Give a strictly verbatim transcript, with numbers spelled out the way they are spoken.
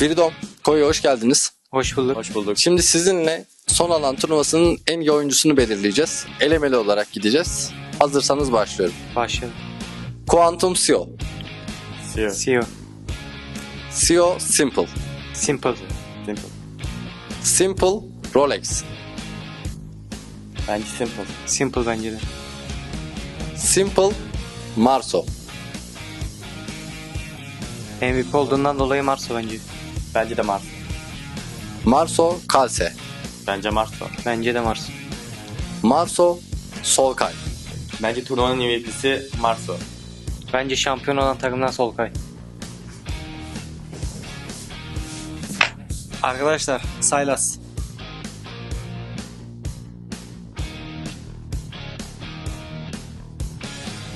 Freedom, Koyu hoş geldiniz. Hoş bulduk. Hoş bulduk. Şimdi sizinle son alan turnuvasının en iyi oyuncusunu belirleyeceğiz. Elemeli olarak gideceğiz. Hazırsanız başlıyorum. Başlayalım. Quantum Sio. Sio. C E O. Sio Simple. Simple. Simple. Simple Rolex. Bence simple. Simple bence de. Simple Marso. M V P olduğundan dolayı Marso bence. Bence de Mars. Marso Kalse. Bence Mars var. Bence de Marso. Marso Solkay. Bence turnuvanın M V P'si Mars var. Bence şampiyon olan takımdan Solkay. Arkadaşlar Saylas.